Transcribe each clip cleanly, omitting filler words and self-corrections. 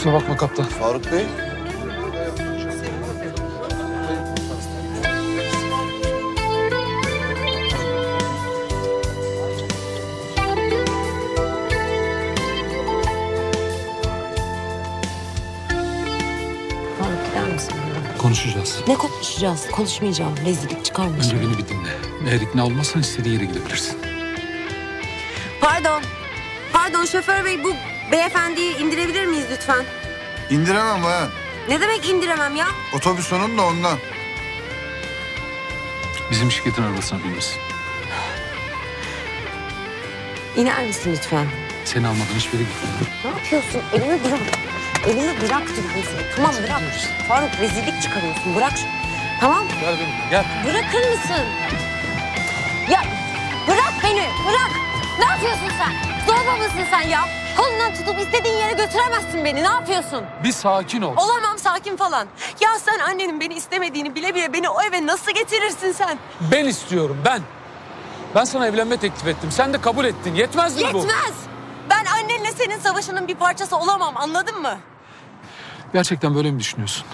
Kusura bakma kaptan. Faruk Bey. Faruk gider misin buradan? Konuşacağız. Ne konuşacağız? Konuşmayacağım. Rezillik çıkarma. Önce beni bir dinle. Eğer ikna olmazsan istediğin yere gidebilirsin. Pardon. Pardon şoför bey, bu beyefendiyi indirebilir miyiz lütfen? İndiremem bayan. Ne demek indiremem ya? Otobüs onun da ondan. Bizim şirketin arabasına binmesin. İner misin lütfen? Seni almadan hiçbir yere gitmem. Ne yapıyorsun? Elimi bırak. Elimi bırak diyorum sana. Tamam bırak. Faruk rezillik çıkarıyorsun. Bırak. Tamam. Gel benim, gel. Bırakır mısın? Ya bırak beni. Bırak. Ne yapıyorsun sen? Zorba mısın sen ya? Kolundan tutup istediğin yere götüremezsin beni. Ne yapıyorsun? Bir sakin ol. Olamam sakin falan. Ya sen annenin beni istemediğini bile bile beni o eve nasıl getirirsin sen? Ben istiyorum, ben. Ben sana evlenme teklif ettim. Sen de kabul ettin. Yetmez mi bu? Yetmez. Ben annenle senin savaşının bir parçası olamam, anladın mı? Gerçekten böyle mi düşünüyorsun?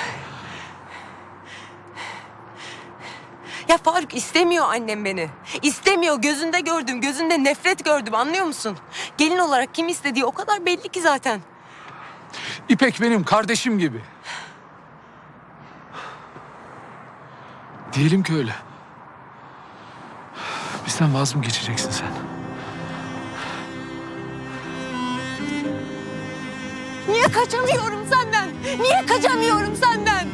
Ya Faruk istemiyor annem beni. İstemiyor. Gözünde gördüm. Gözünde nefret gördüm. Anlıyor musun? Gelin olarak kim istediği o kadar belli ki zaten. İpek benim kardeşim gibi. Diyelim ki öyle. Bizden vaz mı geçeceksin sen? Niye kaçamıyorum senden? Niye kaçamıyorum senden?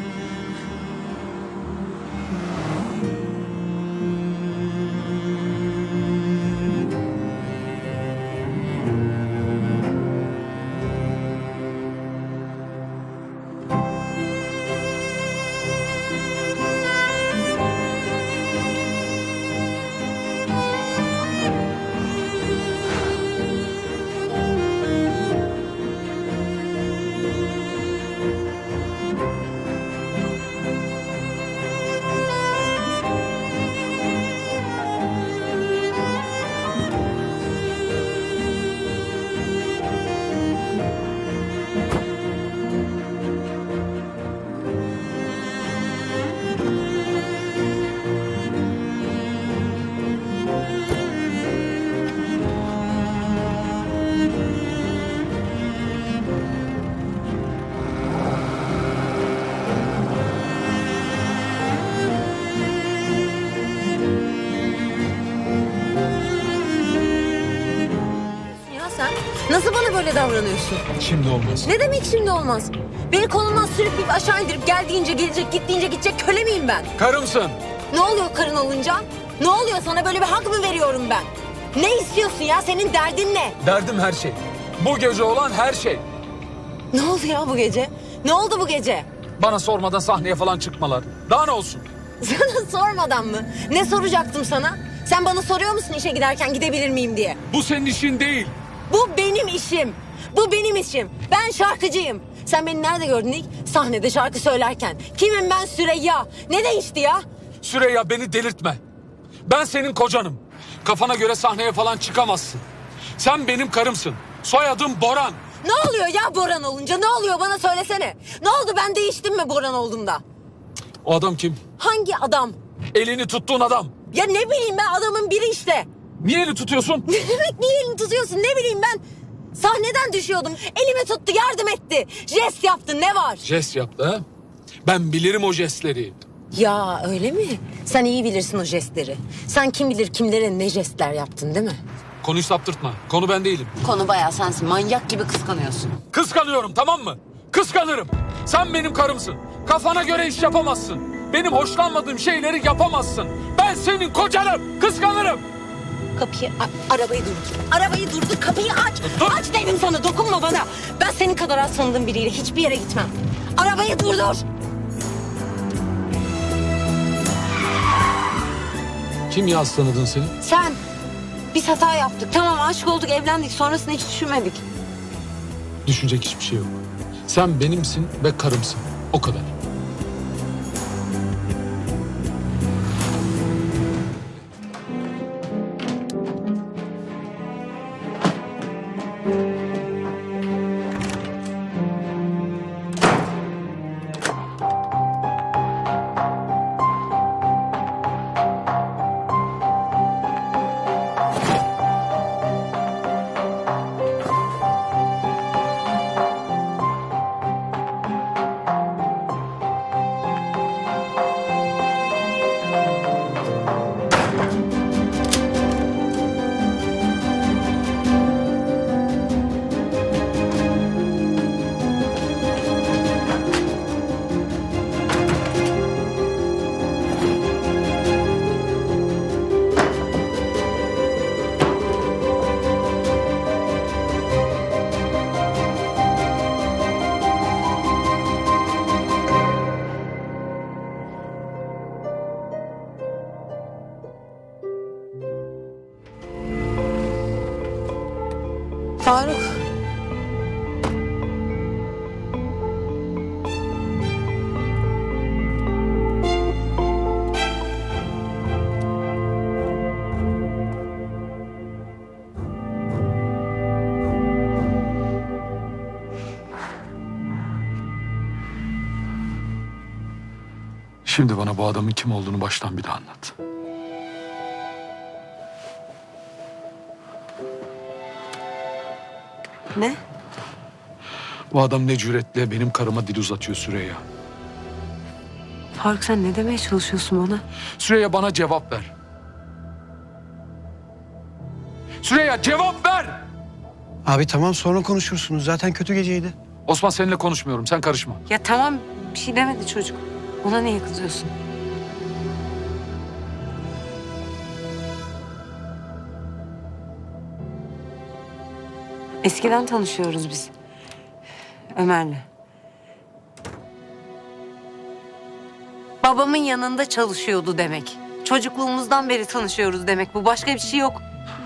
Ya sen nasıl bana böyle davranıyorsun? Şimdi olmaz. Ne demek şimdi olmaz? Beni kolundan sürükleyip aşağı indirip geldiğince gelecek, gittiğince gidecek köle miyim ben? Karımsın. Ne oluyor karın olunca? Ne oluyor, sana böyle bir hak mı veriyorum ben? Ne istiyorsun ya, senin derdin ne? Derdim her şey. Bu gece olan her şey. Ne oldu ya bu gece? Ne oldu bu gece? Bana sormadan sahneye falan çıkmalar. Daha ne olsun? Sana sormadan mı? Ne soracaktım sana? Sen bana soruyor musun işe giderken gidebilir miyim diye? Bu senin işin değil. Bu benim işim. Bu benim işim. Ben şarkıcıyım. Sen beni nerede gördün ilk? Sahnede şarkı söylerken. Kimim ben? Süreyya. Ne değişti ya? Süreyya beni delirtme. Ben senin kocanım. Kafana göre sahneye falan çıkamazsın. Sen benim karımsın. Soyadım Boran. Ne oluyor ya Boran olunca? Ne oluyor bana söylesene. Ne oldu, ben değiştim mi Boran olduğumda? O adam kim? Hangi adam? Elini tuttuğun adam. Ya ne bileyim ben, adamın biri işte. Niye eli tutuyorsun? Ne demek niye elini tutuyorsun, ne bileyim ben. Sahneden düşüyordum. Elimi tuttu, yardım etti. Jest yaptı, ne var? Jest yaptı ha? Ben bilirim o jestleri. Ya öyle mi? Sen iyi bilirsin o jestleri. Sen kim bilir kimlere ne jestler yaptın değil mi? Konuyu saptırtma. Konu ben değilim. Konu bayağı sensin. Manyak gibi kıskanıyorsun. Kıskanıyorum, tamam mı? Kıskanırım. Sen benim karımsın. Kafana göre iş yapamazsın. Benim hoşlanmadığım şeyleri yapamazsın. Ben senin kocanım. Kıskanırım. Kapıyı, arabayı durdur. Arabayı durdur, kapıyı aç. Dur. Aç dedim sana, dokunma bana. Ben senin kadar az tanıdığım biriyle hiçbir yere gitmem. Arabayı durdur. Kim ya tanıdın seni? Sen. Biz hata yaptık. Tamam, aşık olduk, evlendik. Sonrasını hiç düşünmedik. Düşünecek hiçbir şey yok. Sen benimsin ve karımsın. O kadar. Faruk. Şimdi bana bu adamın kim olduğunu baştan bir daha anlat. Ne? Bu adam ne cüretle benim karıma dil uzatıyor Süreyya. Faruk sen ne demeye çalışıyorsun bana? Süreyya bana cevap ver. Süreyya cevap ver! Abi tamam sonra konuşursunuz. Zaten kötü geceydi. Osman seninle konuşmuyorum, sen karışma. Ya tamam bir şey demedi çocuk. Ona niye kızıyorsun? Eskiden tanışıyoruz biz. Ömer'le. Babamın yanında çalışıyordu demek. Çocukluğumuzdan beri tanışıyoruz demek. Bu başka bir şey yok.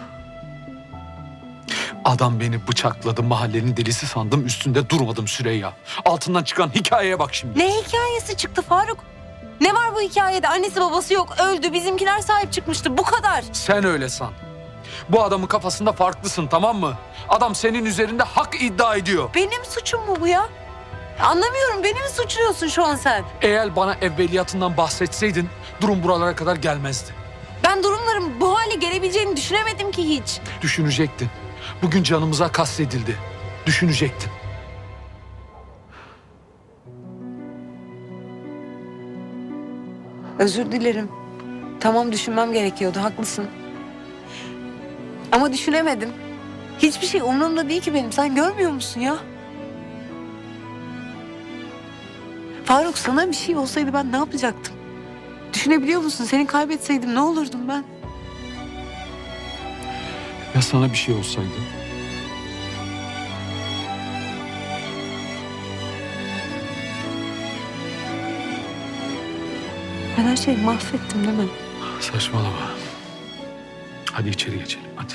Adam beni bıçakladı, mahallenin delisi sandım, üstünde durmadım Süreyya. Altından çıkan hikayeye bak şimdi. Ne hikayesi çıktı Faruk? Ne var bu hikayede? Annesi babası yok, öldü. Bizimkiler sahip çıkmıştı. Bu kadar. Sen öyle san. Bu adamın kafasında farklısın, tamam mı? Adam senin üzerinde hak iddia ediyor. Benim suçum mu bu ya? Anlamıyorum. Beni mi suçluyorsun şu an sen? Eğer bana evveliyatından bahsetseydin durum buralara kadar gelmezdi. Ben durumların bu hale gelebileceğini düşünemedim ki hiç. Düşünecektin. Bugün canımıza kastedildi. Düşünecektin. Özür dilerim. Tamam düşünmem gerekiyordu. Haklısın. Ama düşünemedim. Hiçbir şey umurumda değil ki benim. Sen görmüyor musun ya? Faruk sana bir şey olsaydı ben ne yapacaktım? Düşünebiliyor musun? Seni kaybetseydim ne olurdum ben? Ya sana bir şey olsaydı? Ben her şeyi mahvettim değil mi? Saçmalama. Hadi içeri geçelim, hadi.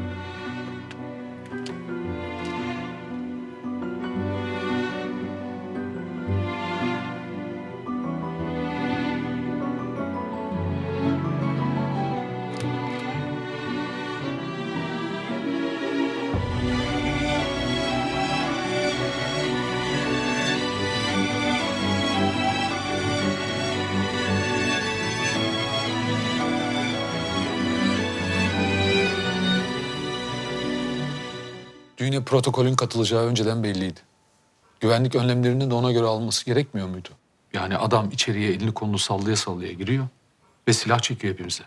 Düğüne protokolün katılacağı önceden belliydi. Güvenlik önlemlerini de ona göre alması gerekmiyor muydu? Yani adam içeriye elini kolunu sallaya sallaya giriyor ve silah çekiyor hepimize.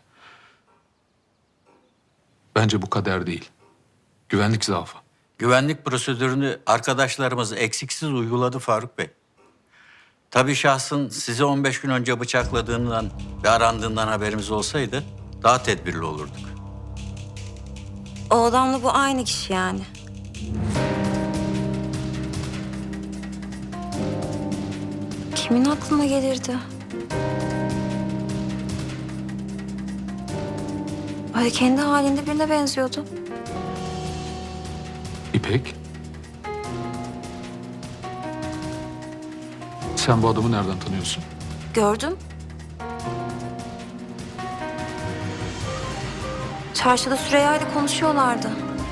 Bence bu kader değil. Güvenlik zaafı. Güvenlik prosedürünü arkadaşlarımız eksiksiz uyguladı Faruk Bey. Tabii şahsın sizi 15 gün önce bıçakladığından ve arandığından haberimiz olsaydı daha tedbirli olurduk. O adamla bu aynı kişi yani. Kimin aklına gelirdi? Öyle kendi halinde birine benziyordu. İpek. Sen bu adamı nereden tanıyorsun? Gördüm. Çarşıda Süreyya ile konuşuyorlardı.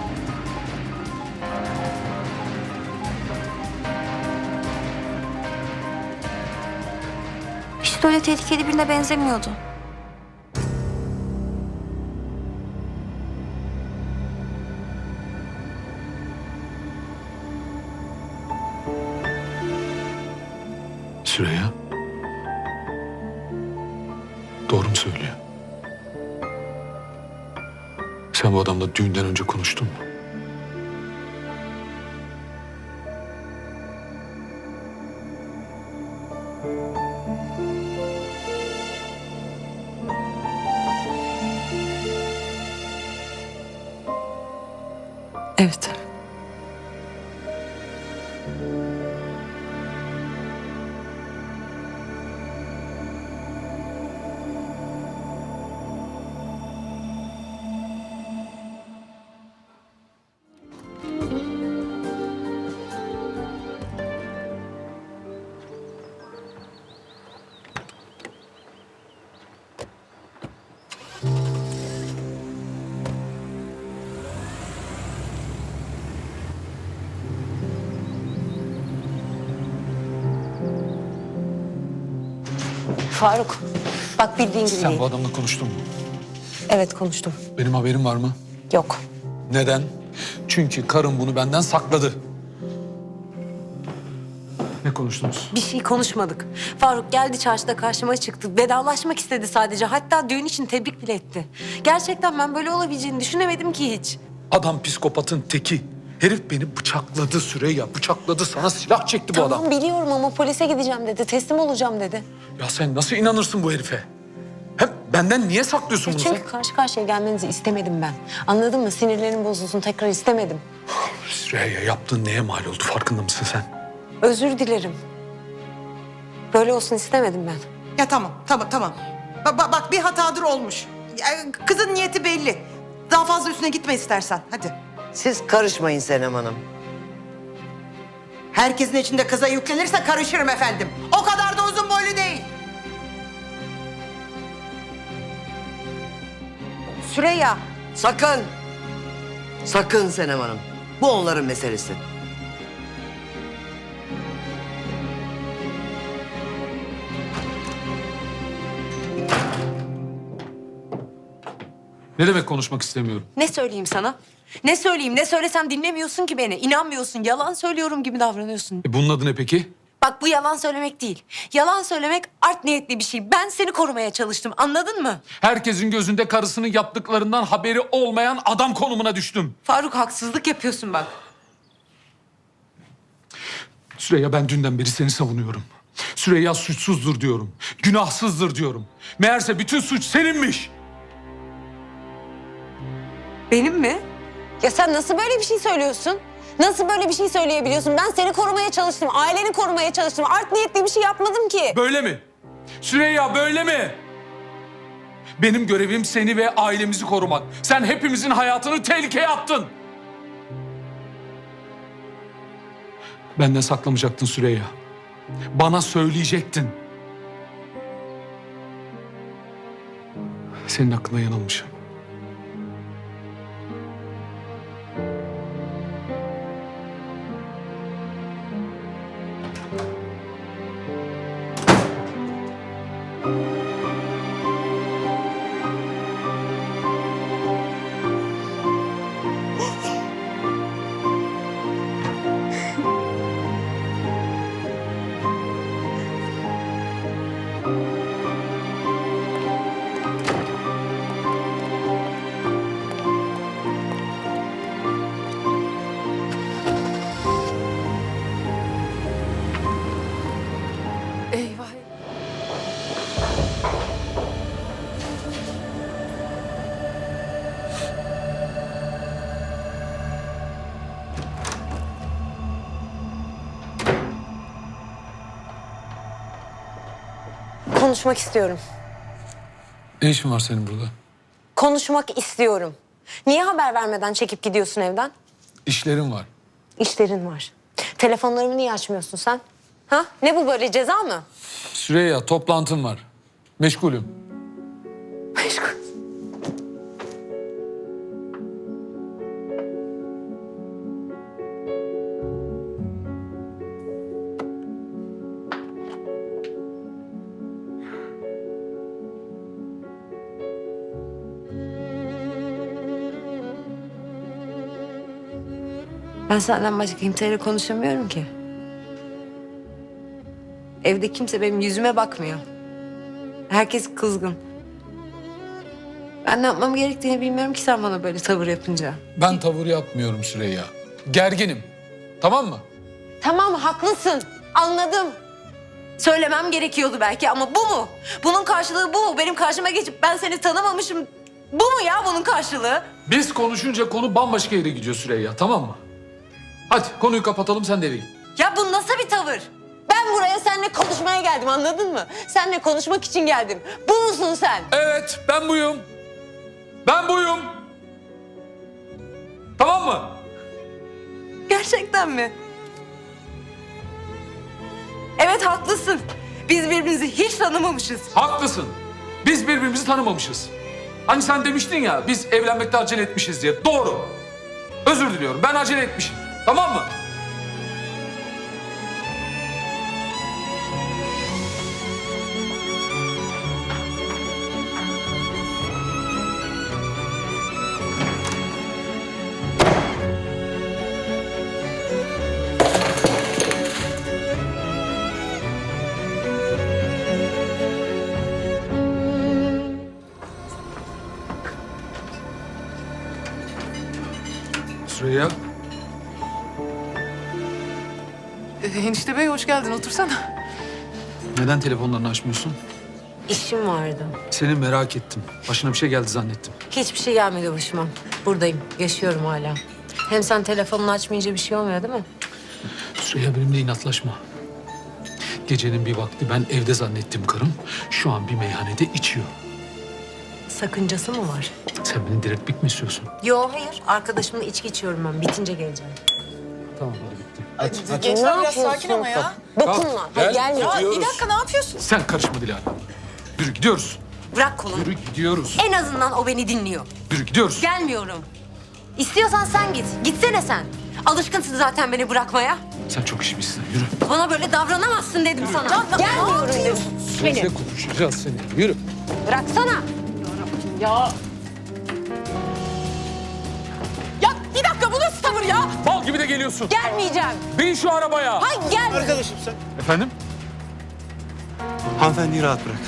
Hiç de öyle tehlikeli birine benzemiyordu. Süreyya. Doğru mu söylüyor? Sen bu adamla düğünden önce konuştun mu? Evet. Faruk, bak bildiğin gibi Sen değil. bu adamla konuştun mu? Evet konuştum. Benim haberim var mı? Yok. Neden? Çünkü karım bunu benden sakladı. Ne konuştunuz? Bir şey konuşmadık. Faruk geldi çarşıda karşıma çıktı. Vedalaşmak istedi sadece. Hatta düğün için tebrik bile etti. Gerçekten ben böyle olabileceğini düşünemedim ki hiç. Adam psikopatın teki. Herif beni bıçakladı Süreyya. Bıçakladı, sana silah çekti bu adam. Tamam biliyorum ama polise gideceğim dedi. Teslim olacağım dedi. Ya sen nasıl inanırsın bu herife? Hem benden niye saklıyorsun bunu sen? Çünkü karşı karşıya gelmenizi istemedim ben. Anladın mı? Sinirlerim bozulsun, tekrar istemedim. Süreyya, yaptığın neye mal oldu, farkında mısın sen? Özür dilerim. Böyle olsun istemedim ben. Ya tamam. Bak bir hatadır olmuş. Ya, kızın niyeti belli. Daha fazla üstüne gitme istersen. Hadi. Siz karışmayın Senem Hanım. Herkesin içinde kıza yüklenirse karışırım efendim. O kadar da uzun boylu değil. Süreyya. Sakın! Sakın Senem Hanım. Bu onların meselesi. Ne demek konuşmak istemiyorum? Ne söyleyeyim sana? Ne söyleyeyim? Ne söylesem dinlemiyorsun ki beni. İnanmıyorsun. Yalan söylüyorum gibi davranıyorsun. Bunun adı ne peki? Bak bu yalan söylemek değil. Yalan söylemek art niyetli bir şey. Ben seni korumaya çalıştım. Anladın mı? Herkesin gözünde karısının yaptıklarından haberi olmayan adam konumuna düştüm. Faruk haksızlık yapıyorsun bak. Süreyya, ben dünden beri seni savunuyorum. Süreyya suçsuzdur diyorum. Günahsızdır diyorum. Meğerse bütün suç seninmiş. Benim mi? Ya sen nasıl böyle bir şey söylüyorsun? Nasıl böyle bir şey söyleyebiliyorsun? Ben seni korumaya çalıştım. Aileni korumaya çalıştım. Art niyetli bir şey yapmadım ki. Böyle mi? Süreyya, böyle mi? Benim görevim seni ve ailemizi korumak. Sen hepimizin hayatını tehlikeye attın. Benden saklamayacaktın Süreyya. Bana söyleyecektin. Senin hakkında yanılmışım. Eyvah. Konuşmak istiyorum. Ne işin var senin burada? Konuşmak istiyorum. Niye haber vermeden çekip gidiyorsun evden? İşlerim var. İşlerin var. Telefonlarımı niye açmıyorsun sen? Ha? Ne bu böyle, ceza mı? Süreyya, toplantım var. Meşgulüm. Meşgul. Ben senden başka kimseyle konuşamıyorum ki. Evde kimse benim yüzüme bakmıyor. Herkes kızgın. Ben ne yapmam gerektiğini bilmiyorum ki sen bana böyle tavır yapınca. Ben tavır yapmıyorum Süreyya. Gerginim. Tamam mı? Tamam haklısın. Anladım. Söylemem gerekiyordu belki ama bu mu? Bunun karşılığı bu mu? Benim karşıma geçip ben seni tanımamışım. Bu mu ya bunun karşılığı? Biz konuşunca konu bambaşka yere gidiyor Süreyya, tamam mı? Hadi konuyu kapatalım, sen de eve git. Ya bu nasıl bir tavır? Ben buraya seninle konuşmaya geldim, anladın mı? Seninle konuşmak için geldim. Bu musun sen? Evet, ben buyum. Ben buyum. Tamam mı? Gerçekten mi? Evet haklısın. Biz birbirimizi hiç tanımamışız. Haklısın. Biz birbirimizi tanımamışız. Hani sen demiştin ya, biz evlenmekte acele etmişiz diye. Doğru. Özür diliyorum, ben acele etmişim. Tamam mı? Süreyya. Enişte bey hoş geldin otursana. Neden telefonlarını açmıyorsun? İşim vardı. Seni merak ettim. Başına bir şey geldi zannettim. Hiçbir şey gelmedi başıma. Buradayım. Yaşıyorum hala. Hem sen telefonunu açmayınca bir şey olmuyor değil mi? Süreyya benimle inatlaşma. Gecenin bir vakti ben evde zannettim karım. Şu an bir meyhanede içiyor. Sakıncası mı var? Sen beni diriltmek mi istiyorsun? Yo hayır. Arkadaşımla içki içiyorum ben. Bitince geleceğim. Tamam hadi bitti. Hadi. Gençler biraz sakin ama ya. Dokunma. Hadi gelme. Ya bir dakika ne yapıyorsun? Sen karışma Dilara. Yürü gidiyoruz. Bırak kolumu. Yürü gidiyoruz. En azından o beni dinliyor. Yürü gidiyoruz. Gelmiyorum. İstiyorsan sen git. Gitsene sen. Alışkınsın zaten beni bırakmaya. Sen çok işmişsin. Yürü. Bana böyle davranamazsın dedim sana. Gelmiyorum dedim. Sözle konuşacağız seni. Yürü. Bıraksana. Ya bir dakika bu nasıl tavır ya? Bal gibi de geliyorsun. Gelmeyeceğim. Bin şu arabaya. Hayır gel. Arkadaşım sen. Efendim? Hanımefendiyi rahat bırak.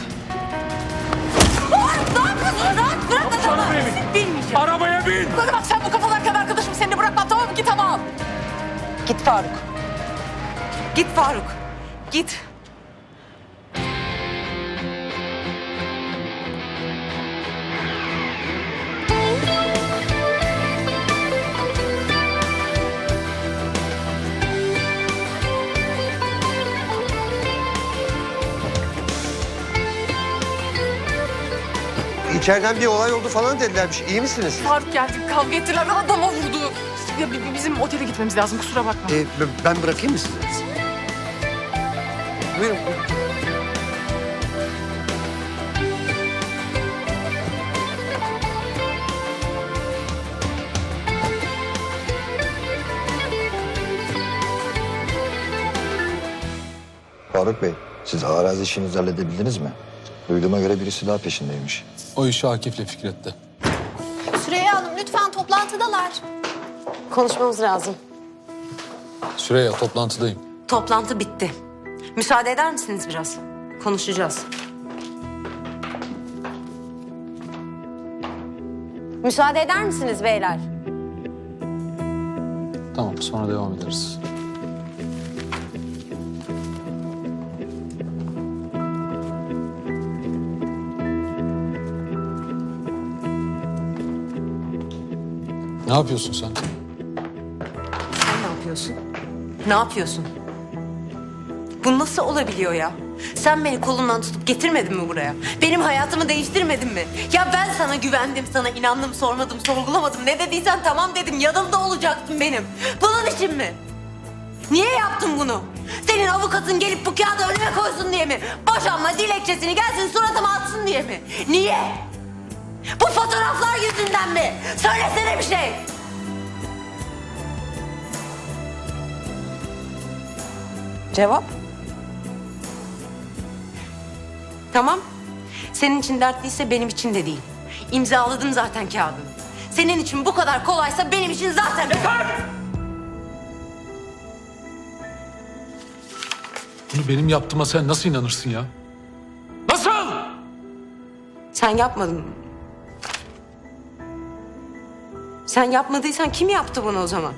Ne yapıyorsun? Rahat bırak adamı. Bilmeyeceğim. Arabaya bin. Bana bak sen bu kafalarken arkadaşım seni bırakmam tamam mı? Git ama al. Git Faruk. Git Faruk. Git. İçeriden bir olay oldu falan dedilermiş. İyi misiniz? Faruk geldi kavga ettiler adama vurdu. Ya, bizim otele gitmemiz lazım kusura bakma. Ben bırakayım mı sizi? Buyurun. Faruk Bey, siz arazi işinizi halledebildiniz mi? Duyduğuma göre birisi daha peşindeymiş. O işi Akif'le Fikret'te. Süreyya Hanım lütfen toplantıdalar. Konuşmamız lazım. Süreyya toplantıdayım. Toplantı bitti. Müsaade eder misiniz biraz? Konuşacağız. Müsaade eder misiniz beyler? Tamam sonra devam ederiz. Ne yapıyorsun sen? Sen ne yapıyorsun? Ne yapıyorsun? Bu nasıl olabiliyor ya? Sen beni kolumdan tutup getirmedin mi buraya? Benim hayatımı değiştirmedin mi? Ya ben sana güvendim, sana inandım, sormadım, sorgulamadım. Ne dediysen tamam dedim, yanımda olacaktın benim. Bunun için mi? Niye yaptın bunu? Senin avukatın gelip bu kağıdı önüme koysun diye mi? Boşanma dilekçesini gelsin suratıma atsın diye mi? Niye? Bu fotoğraflar yüzünden mi? Söylesene bir şey. Cevap? Tamam. Senin için dertliyse benim için de değil. İmzaladım zaten kağıdını. Senin için bu kadar kolaysa benim için zaten... Bunu benim yaptığıma sen nasıl inanırsın ya? Nasıl? Sen yapmadın. Sen yapmadıysan kim yaptı bunu o zaman?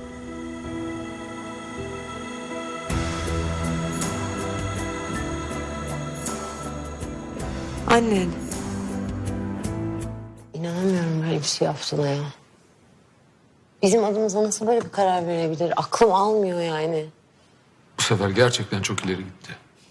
Annen. İnanamıyorum böyle bir şey yaptığına ya. Bizim adımıza nasıl böyle bir karar verebilir? Aklım almıyor yani. Bu sefer gerçekten çok ileri gitti.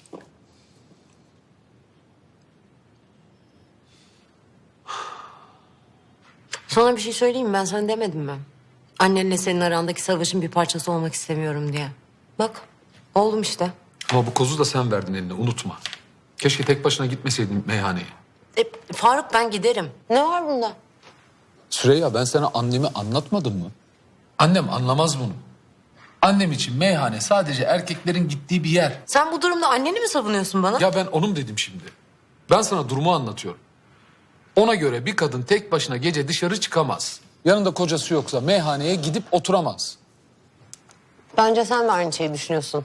Sana bir şey söyleyeyim mi? Ben sana demedim mi? Annenle senin arandaki savaşın bir parçası olmak istemiyorum diye. Bak, oldum işte. Ama bu kozu da sen verdin eline unutma. Keşke tek başına gitmeseydin meyhaneye. Faruk ben giderim. Ne var bunda? Süreyya ben sana annemi anlatmadım mı? Annem anlamaz bunu. Annem için meyhane sadece erkeklerin gittiği bir yer. Sen bu durumda anneni mi savunuyorsun bana? Ya ben onun dedim şimdi. Ben sana durumu anlatıyorum. Ona göre bir kadın tek başına gece dışarı çıkamaz. Yanında kocası yoksa meyhaneye gidip oturamaz. Bence sen de aynı şeyi düşünüyorsun.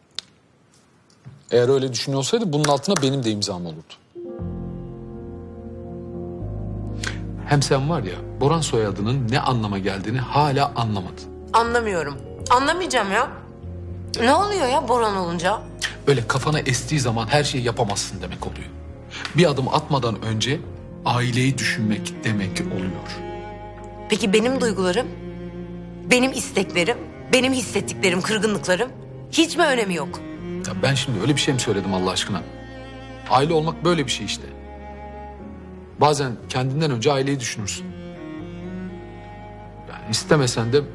Eğer öyle düşünüyorsaydı bunun altına benim de imzam olurdu. Hem sen var ya Boran soyadının ne anlama geldiğini hala anlamadın. Anlamıyorum. Anlamayacağım ya. Ne oluyor ya Boran olunca? Öyle kafana estiği zaman her şeyi yapamazsın demek oluyor. Bir adım atmadan önce aileyi düşünmek demek oluyor. Peki benim duygularım, benim isteklerim, benim hissettiklerim, kırgınlıklarım hiç mi önemi yok? Ya ben şimdi öyle bir şey mi söyledim Allah aşkına? Aile olmak böyle bir şey işte. Bazen kendinden önce aileyi düşünürsün. Yani istemesen de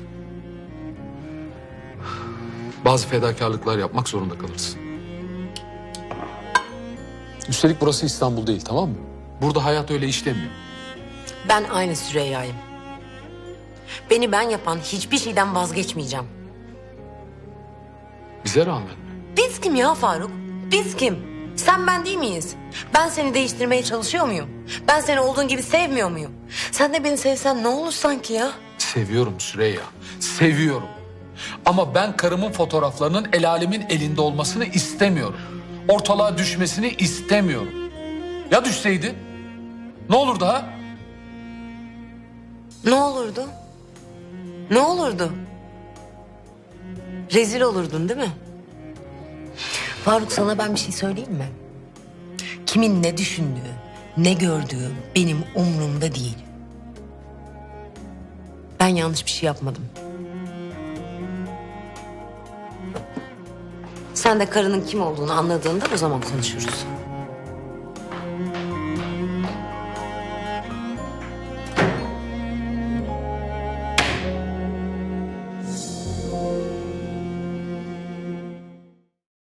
bazı fedakarlıklar yapmak zorunda kalırsın. Üstelik burası İstanbul değil, tamam mı? Burada hayat öyle işlemiyor. Ben aynı Süreyya'yım. Beni ben yapan hiçbir şeyden vazgeçmeyeceğim. Bize rağmen mi? Biz kim ya Faruk? Biz kim? Sen ben değil miyiz? Ben seni değiştirmeye çalışıyor muyum? Ben seni olduğun gibi sevmiyor muyum? Sen de beni sevsen ne olur sanki ya? Seviyorum Süreyya, seviyorum. Ama ben karımın fotoğraflarının el alemin elinde olmasını istemiyorum. Ortalığa düşmesini istemiyorum. Ya düşseydi? Ne olurdu ha? Ne olurdu? Ne olurdu? Rezil olurdun değil mi? Faruk sana ben bir şey söyleyeyim mi? Kimin ne düşündüğü, ne gördüğü benim umurumda değil. Ben yanlış bir şey yapmadım. Sen de karının kim olduğunu anladığında o zaman konuşuruz.